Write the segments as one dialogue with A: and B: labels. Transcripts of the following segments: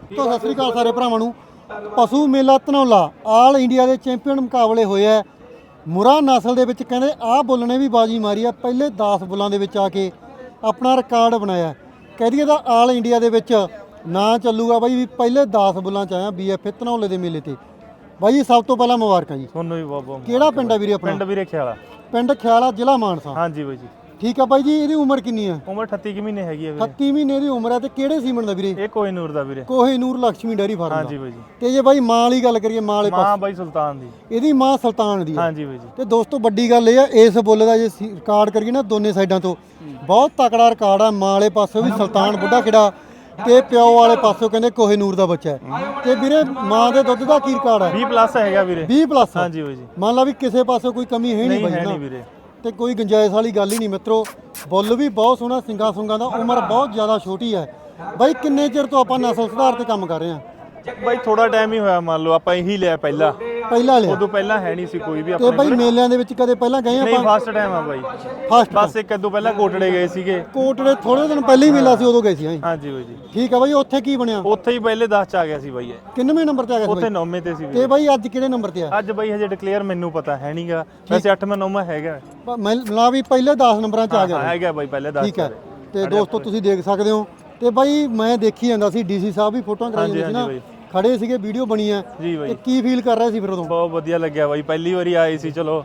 A: तो सत श्री अकाल सारे भरावां नूं। पशु मेला धनौला आल इंडिया के चैंपीयन मुकाबले होए है। मुरा नस्ल दे विच कहंदे आ बुल ने भी बाजी मारी है, पहले 10 बुलों दे विच आके अपना रिकॉर्ड बनाया। कह दईए तां आल इंडिया दे विच ना चलूगा बई, पहले 10 बुलों च आया BFA धनौले दे मेले ते। बाई जी सब तो पहला मुबारक जी।
B: ਤੁਹਾਨੂੰ ਵੀ ਬਹੁਤ ਬਹੁਤ
A: ਕਿਹੜਾ ਪਿੰਡ ਹੈ ਵੀਰੇ ਆਪਣਾ?
B: ਪਿੰਡ ਵੀਰੇ ਖਿਆਲਾ।
A: ਪਿੰਡ ਖਿਆਲਾ, ਜ਼ਿਲ੍ਹਾ ਮਾਨਸਾ।
B: ਹਾਂਜੀ ਬਾਈ ਜੀ।
A: ਠੀਕ ਆ ਬਾਈ ਜੀ, ਇਹਦੀ ਉਮਰ ਕਿੰਨੀ ਹੈ?
B: ਉਮਰ 38 ਕੁ ਮਹੀਨੇ ਹੈਗੀ ਆ ਵੀਰੇ।
A: 38 ਮਹੀਨੇ ਦੀ ਉਮਰ ਹੈ। ਤੇ ਕਿਹੜੇ ਸੀਮਨ ਦਾ ਵੀਰੇ?
B: ਇਹ ਕੋਹੀਨੂਰ ਦਾ ਵੀਰੇ।
A: ਕੋਹੀਨੂਰ ਲక్ష్ਮੀ ਡੈਰੀ ਫਾਰਮ ਦਾ।
B: ਹਾਂਜੀ ਬਾਈ ਜੀ।
A: ਤੇ ਜੇ ਬਾਈ ਮਾਂ ਵਾਲੀ ਗੱਲ ਕਰੀਏ, ਮਾਂ ਵਾਲੇ
B: ਮਾਂ ਬਾਈ ਸੁਲਤਾਨ ਦੀ।
A: ਇਹਦੀ ਮਾਂ ਸੁਲਤਾਨ ਦੀ ਹੈ।
B: ਹਾਂਜੀ ਬਾਈ ਜੀ।
A: ਤੇ ਦੋਸਤੋ ਵੱਡੀ ਗੱਲ ਇਹ ਆ, ਇਸ ਬੁੱਲ ਦਾ ਜੇ ਰਿਕਾਰਡ ਕਰੀਏ ਨਾ ਦੋਨੇ ਸਾਈਡਾਂ ਤੋਂ ਬਹੁਤ ਤਕੜਾ ਰਿਕਾਰਡ ਆ। ਮਾਂ ਵਾਲੇ ਪਾਸੋਂ ਵੀ ਸੁਲਤਾਨ ਬੁੱਢਾ ਖਿੜਾ ਤੇ ਪਿਓ ਵਾਲੇ ਪਾਸੋਂ ਕਹਿੰਦੇ ਕੋਹੀਨੂਰ ਦਾ ਬੱਚਾ ਹੈ। ਤੇ ਵੀਰੇ ਮਾਂ ਦੇ ਦੁੱਧ ਦਾ ਕੀ ਰਿਕਾਰਡ ਹੈ?
B: 20+ ਹੈਗਾ ਵੀਰੇ।
A: 20+।
B: ਹਾਂਜੀ ਬਾਈ ਜੀ।
A: ਮੰਨ ਲਾ ਵੀ ਕਿਸੇ ਪਾਸੋਂ ਕੋਈ ਕਮੀ ਹੈ ਨਹੀਂ
B: ਹੈ
A: ਬਾਈ
B: ਨਹੀਂ ਵੀਰੇ।
A: ਤੇ ਕੋਈ ਗੁੰਜਾਇਸ਼ ਵਾਲੀ ਗੱਲ ਹੀ ਨਹੀਂ ਮਿੱਤਰੋ। ਬੁੱਲ ਵੀ ਬਹੁਤ ਸੋਹਣਾ, ਸਿੰਗਾ ਸੁੰਗਾ ਦਾ। ਉਮਰ ਬਹੁਤ ਜ਼ਿਆਦਾ ਛੋਟੀ ਹੈ ਬਾਈ। ਕਿੰਨੇ ਚਿਰ ਤੋਂ ਆਪਾਂ ਨਸਲ ਸੁਧਾਰ ਤੇ ਕੰਮ ਕਰ ਰਹੇ ਹਾਂ?
B: ਬਾਈ ਥੋੜਾ ਟਾਈਮ ਹੀ ਹੋਇਆ, ਮੰਨ ਲਓ ਆਪਾਂ ਇਹੀ ਲਿਆ ਪਹਿਲਾਂ
A: ਲਿਆ।
B: ਉਦੋਂ ਪਹਿਲਾਂ ਹੈ ਨਹੀਂ ਸੀ ਕੋਈ ਵੀ
A: ਤੇ
B: ਆਪਣੇ
A: ਬਾਈ ਮੇਲਿਆਂ ਦੇ ਵਿੱਚ ਕਦੇ ਪਹਿਲਾਂ ਗਏ
B: ਨਹੀਂ,
A: ਆਪਾਂ?
B: ਫਸਟ ਟਾਈਮ ਆ ਬਾਈ।
A: ਫਸਟ
B: ਬਸ ਇੱਕ ਦੋ ਪਹਿਲਾਂ ਕੋਟੜੇ ਗਏ ਸੀਗੇ।
A: ਕੋਟੜੇ ਥੋੜੇ ਦਿਨ ਪਹਿਲਾਂ ਹੀ ਮੇਲਾ ਸੀ, ਉਦੋਂ ਗਏ ਸੀ।
B: ਹਾਂਜੀ ਬਾਈ ਜੀ।
A: ਠੀਕ ਆ ਬਾਈ। ਉੱਥੇ ਕੀ ਬਣਿਆ?
B: ਉੱਥੇ ਹੀ ਪਹਿਲੇ 10 ਚ ਆ ਗਿਆ ਸੀ ਬਾਈ ਇਹ।
A: ਕਿੰਨਵੇਂ ਨੰਬਰ ਤੇ ਆ ਗਿਆ ਸੀ
B: ਉੱਥੇ
A: ਬਾਈ?
B: 9ਵੇਂ ਤੇ ਸੀ
A: ਤੇ
B: ਵੀਰੇ।
A: ਬਾਈ ਅੱਜ ਕਿਹੜੇ ਨੰਬਰ ਤੇ ਆ?
B: ਅੱਜ ਬਾਈ ਹਜੇ ਡਿਕਲੇਅਰ ਮੈਨੂੰ ਪਤਾ ਹੈ ਨਹੀਂਗਾ, ਵੈਸੇ 8ਵਾਂ 9ਵਾਂ ਹੈਗਾ।
A: ਮੈਂ ਲਾ ਵੀ ਪਹਿਲੇ 10 ਨੰਬਰਾਂ ਚ ਆ ਗਿਆ।
B: ਹੈਗਾ ਬਾਈ ਪਹਿਲੇ 10।
A: ਠੀਕ ਹੈ। ਤੇ ਦੋਸਤੋ ਤੁਸੀਂ ਦੇਖ ਸਕਦੇ ਹੋ। ਤੇ ਬਾਈ ਮੈਂ ਦੇਖੀ ਜਾਂਦਾ ਸੀ, DC ਸਾਹਿਬ ਵੀ ਫੋਟੋਆਂ ਕਰਾਈ ਜਾਂਦੇ ਸੀ ਨਾ, ਖੜੇ ਸੀਗੇ, ਵੀਡੀਓ ਬਣੀ ਹੈ।
B: ਜੀ ਬਾਈ।
A: ਤੇ ਕੀ ਫੀਲ ਕਰ ਰਹੇ ਸੀ ਫਿਰ ਉਦੋਂ?
B: ਬਹੁਤ ਵਧੀਆ ਲੱਗਿਆ ਬਾਈ। ਪਹਿਲੀ ਵਾਰੀ ਆਏ ਸੀ, ਚਲੋ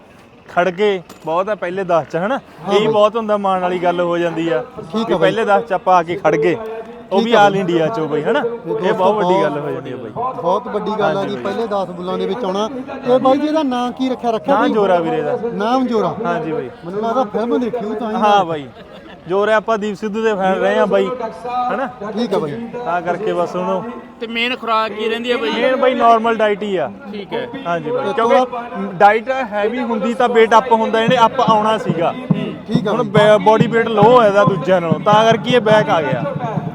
B: ਖੜ ਕੇ ਬਹੁਤ ਆ ਪਹਿਲੇ 10 ਚ ਹਨਾ। ਇਹੀ ਬਹੁਤ ਹੁੰਦਾ, ਮਾਣ ਵਾਲੀ ਗੱਲ ਹੋ ਜਾਂਦੀ ਆ ਕਿ ਪਹਿਲੇ 10 ਚ ਆਪਾਂ ਆ ਕੇ ਖੜ ਗਏ, ਉਹ ਵੀ ਆਲ ਇੰਡੀਆ ਚੋਂ ਬਾਈ ਹਨਾ। ਇਹ ਬਹੁਤ ਵੱਡੀ ਗੱਲ ਹੋ ਜਾਂਦੀ ਆ ਬਾਈ।
A: ਬਹੁਤ ਵੱਡੀ ਗੱਲ ਆ ਜੀ, ਪਹਿਲੇ 10 ਬੁੱਲਾਂ ਦੇ ਵਿੱਚ ਆਉਣਾ। ਤੇ ਬਾਈ ਜੀ ਇਹਦਾ ਨਾਂ ਕੀ ਰੱਖਿਆ?
B: ਨਾਮ ਜੋਰਾ ਵੀਰੇ ਦਾ।
A: ਨਾਮ ਜੋਰਾ?
B: ਹਾਂਜੀ ਬਾਈ।
A: ਮੈਨੂੰ ਲੱਗਦਾ ਫਿਲਮ ਦੇਖੀ ਤਾਂ।
B: ਹਾਂ ਬਾਈ, ਜੋਰਾ ਆਪਾਂ ਦੀਪ ਸਿੱਧੂ ਦੇ ਫੈਨ ਰਹੇ ਆ ਬਾਈ ਹਨਾ।
A: ਠੀਕ ਆ ਬਾਈ।
B: ਤਾਂ ਕਰਕੇ ਬਸ ਉਹਨੂੰ।
C: ਤੇ ਮੇਨ ਖੁਰਾਕ ਕੀ ਰਹਿੰਦੀ ਹੈ ਬਾਈ?
B: ਮੇਨ ਬਾਈ ਨਾਰਮਲ ਡਾਈਟ ਹੀ ਆ।
C: ਠੀਕ ਹੈ।
B: ਹਾਂਜੀ ਬਾਈ, ਕਿਉਂਕਿ ਡਾਈਟ ਹੈਵੀ ਹੁੰਦੀ ਤਾਂ weight ਅਪ ਹੁੰਦਾ, ਇਹਨੇ ਅਪ ਆਉਣਾ ਸੀਗਾ।
A: ਠੀਕ ਆ।
B: ਹੁਣ ਬੋਡੀ weight ਲੋ ਹੋਇਆ ਦੂਜਿਆਂ ਨਾਲੋਂ, ਤਾਂ ਕਰਕੇ ਇਹ ਬੈਕ ਆ ਗਿਆ।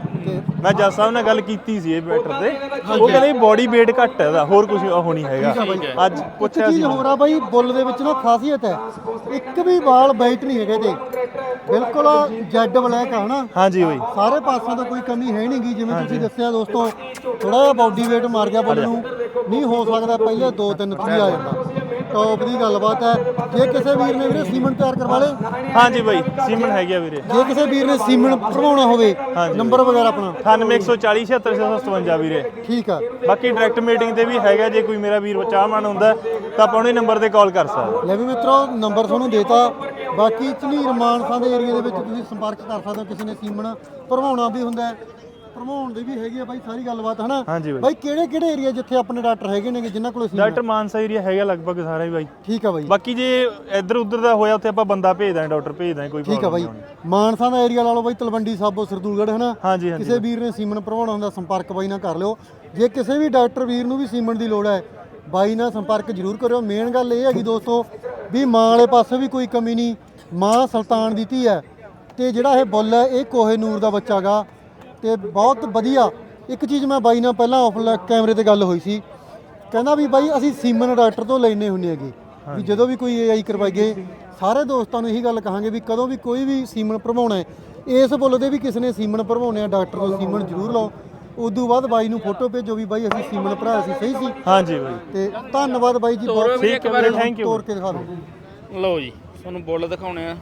B: ਮੈਂ ਜੱਜ ਸਾਹਿਬ ਨਾਲ ਗੱਲ ਕੀਤੀ ਸੀ ਇਹ ਬੈਟਰ ਤੇ, ਉਹ ਕਹਿੰਦੇ ਬੋਡੀ weight ਘੱਟ ਹੈ ਇਹਦਾ, ਹੋਰ ਕੁਝ ਉਹ ਨਹੀਂ ਹੈਗਾ। ਅੱਜ ਪੁੱਛਿਆ ਸੀ।
A: ਹੋਰ ਆ ਬਾਈ, ਬੁੱਲ ਦੇ ਵਿੱਚ ਨਾ ਖਾਸੀਅਤ ਹੈ, ਇੱਕ ਵੀ ਵਾਲ ਵਾਈਟ ਨਹੀਂ ਹੈਗੇ ਤੇ ਬਿਲਕੁਲ ਜੈਡ ਬਲੈਕ ਆ ਹਨਾ।
B: ਹਾਂਜੀ ਬਾਈ।
A: ਸਾਰੇ ਪਾਸਿਆਂ ਤੋਂ ਕੋਈ ਕਮੀ ਹੈ ਨਹੀਂਗੀ। ਜਿਵੇਂ ਤੁਸੀਂ ਦੱਸਿਆ ਦੋਸਤੋ, ਥੋੜਾ ਜਿਹਾ ਬਾਡੀ weight ਮਾਰ ਗਿਆ ਬੁੱਲ ਨੂੰ, ਨਹੀਂ ਹੋ ਸਕਦਾ ਪਹਿਲੇ 2-3 3 ਆ ਜਾਂਦਾ। ਟੌਪ ਦੀ ਗੱਲਬਾਤ ਹੈ। ਜੇ ਕਿਸੇ ਵੀਰ ਨੇ ਵੀਰੇ ਸੀਮਨ ਤਿਆਰ ਕਰਵਾ ਲੇ?
B: ਹਾਂਜੀ ਬਾਈ, ਸੀਮਨ ਹੈਗਾ ਵੀਰੇ।
A: ਜੇ ਕਿਸੇ ਵੀਰ ਨੇ ਸੀਮਨ ਭਰਵਾਉਣਾ ਹੋਵੇ, ਨੰਬਰ ਵਗੈਰਾ ਆਪਣਾ?
B: 98 140 76 ਵੀਰੇ।
A: ਠੀਕ ਆ।
B: ਬਾਕੀ ਡਾਇਰੈਕਟ ਮੀਟਿੰਗ ਤੇ ਵੀ ਹੈਗਾ, ਜੇ ਕੋਈ ਮੇਰਾ ਵੀਰ ਚਾਹਵਾਨ ਹੁੰਦਾ ਤਾਂ ਆਪਾਂ ਉਹਨੇ ਨੰਬਰ ਤੇ ਕਾਲ ਕਰ ਸਕਦਾ।
A: ਲੈ ਵੀ ਮਿੱਤਰੋ, ਨੰਬਰ ਤੁਹਾਨੂੰ ਦੇਤਾ। ਬਾਕੀ ਝਨੀਰ ਮਾਨਸਾ ਦੇ ਏਰੀਆ ਦੇ ਵਿੱਚ ਤੁਸੀਂ ਸੰਪਰਕ ਕਰ ਸਕਦੇ ਹੋ। ਕਿਸੇ ਨੇ ਸੀਮਨ ਭਰਵਾਉਣਾ ਵੀ ਹੁੰਦਾ, ਭਰਵਾਉਣ ਦੀ ਵੀ ਹੈਗੀ ਆ ਬਾਈ, ਸਾਰੀ ਗੱਲਬਾਤ ਹਨਾ।
B: ਹਾਂਜੀ ਬਾਈ।
A: ਬਾਈ ਕਿਹੜੇ ਏਰੀਆ ਜਿੱਥੇ ਆਪਣੇ ਡਾਕਟਰ ਹੈਗੇ ਨੇ ਜਿਨ੍ਹਾਂ ਕੋਲ ਸੀਮਨ?
B: ਡਾਕਟਰ ਮਾਨਸਾ ਏਰੀਆ ਹੈਗਾ ਲਗਭਗ ਸਾਰਾ ਹੀ ਬਾਈ।
A: ਠੀਕ ਆ ਬਾਈ।
B: ਬਾਕੀ ਜੇ ਇੱਧਰ ਉੱਧਰ ਦਾ ਹੋਇਆ ਉੱਥੇ ਆਪਾਂ ਬੰਦਾ ਭੇਜ ਦਾਂਗੇ, ਡਾਕਟਰ ਭੇਜ ਦਾਂਗੇ, ਕੋਈ
A: ਠੀਕ ਆ ਬਾਈ। ਮਾਨਸਾ ਦਾ ਏਰੀਆ ਲਾ ਲਓ ਬਾਈ, ਤਲਵੰਡੀ ਸਾਬੋ, ਸਰਦੂਲਗੜ੍ਹ ਹਨਾ।
B: ਹਾਂਜੀ ਹਾਂਜੀ।
A: ਕਿਸੇ ਵੀਰ ਨੇ ਸੀਮਨ ਭਰਵਾਉਣਾ ਹੁੰਦਾ, ਸੰਪਰਕ ਬਾਈ ਨਾਲ ਕਰ ਲਿਓ। ਜੇ ਕਿਸੇ ਵੀ ਡਾਕਟਰ ਵੀਰ ਨੂੰ ਵੀ ਸੀਮਨ ਦੀ ਲੋੜ ਹੈ, ਬਾਈ ਨਾਲ ਸੰਪਰਕ ਜ਼ਰੂਰ ਕਰਿਓ। ਮੇਨ ਗੱਲ ਇਹ ਹੈਗੀ ਦੋਸਤੋ ਵੀ ਮਾਂ ਵਾਲੇ ਪਾਸੇ ਵੀ ਕੋਈ ਕਮੀ ਨਹੀਂ, ਮਾਂ ਸੁਲਤਾਨ ਦੀ ਧੀ ਹੈ। ਤੇ ਜਿਹੜਾ ਇਹ ਬੁੱਲ ਹੈ, ਇਹ ਕੋਹੀਨੂਰ ਦਾ ਬੱਚਾ ਗਾ। ਤੇ ਬਹੁਤ ਵਧੀਆ। ਇੱਕ ਚੀਜ਼ ਮੈਂ ਬਾਈ ਨਾਲ ਪਹਿਲਾਂ ਆਫ ਕੈਮਰੇ ਤੇ ਗੱਲ ਹੋਈ ਸੀ, ਕਹਿੰਦਾ ਵੀ ਬਾਈ ਅਸੀਂ ਸੀਮਨ ਡਾਕਟਰ ਤੋਂ ਲੈਣੇ ਹੁੰਦੇ ਹੈਗੇ ਵੀ ਜਦੋਂ ਵੀ ਕੋਈ AI ਕਰਵਾਈਏ। ਸਾਰੇ ਦੋਸਤਾਂ ਨੂੰ ਇਹੀ ਗੱਲ ਕਹਾਂਗੇ ਵੀ ਕਦੋਂ ਵੀ ਕੋਈ ਵੀ ਸੀਮਨ ਭਰਵਾਉਣਾ ਹੈ, ਇਸ ਬੁੱਲ ਦੇ ਵੀ ਕਿਸੇ ਨੇ ਸੀਮਨ ਭਰਵਾਉਣੇ ਆ, ਡਾਕਟਰ ਤੋਂ ਸੀਮਨ ਜ਼ਰੂਰ ਲਓ। ਉਦੋਂ ਬਾਅਦ ਬਾਈ ਨੂੰ ਫੋਟੋ ਭੇਜੋ ਵੀ ਬਾਈ ਅਸੀਂ ਸੀਮਨ ਭਰਾਇਆ ਸੀ, ਸਹੀ ਸੀ।
B: ਹਾਂਜੀ ਬਾਈ।
A: ਤੇ ਧੰਨਵਾਦ ਬਾਈ ਜੀ, ਬਹੁਤ
B: ਠੀਕ ਹੈ, ਥੈਂਕ ਯੂ।
A: ਤੋਰ ਕੇ ਦਿਖਾ ਦਿਓ।
C: ਲਓ ਜੀ, ਤੁਹਾਨੂੰ ਬੁੱਲ ਦਿਖਾਉਣੇ ਆ।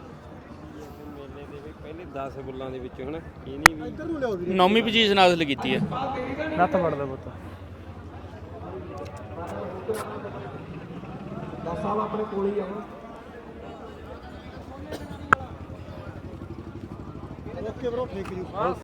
D: 10 ਬੁੱਲਾਂ ਦੇ ਵਿੱਚੋਂ ਹਨਾ, ਇਹਨੇ ਵੀ
A: ਇੱਧਰ ਨੂੰ ਲਿਆਓ ਵੀਰੇ।
C: 9ਵੀਂ ਪੋਜੀਸ਼ਨ ਹਾਸਲ ਕੀਤੀ ਹੈ।
B: ਨੱਥ ਫੜਦਾ ਪੁੱਤ।
A: 10 ਸਾਲ ਆਪਣੇ ਕੋਲ ਹੀ ਆਉਣਾ। Okay bro, thank you.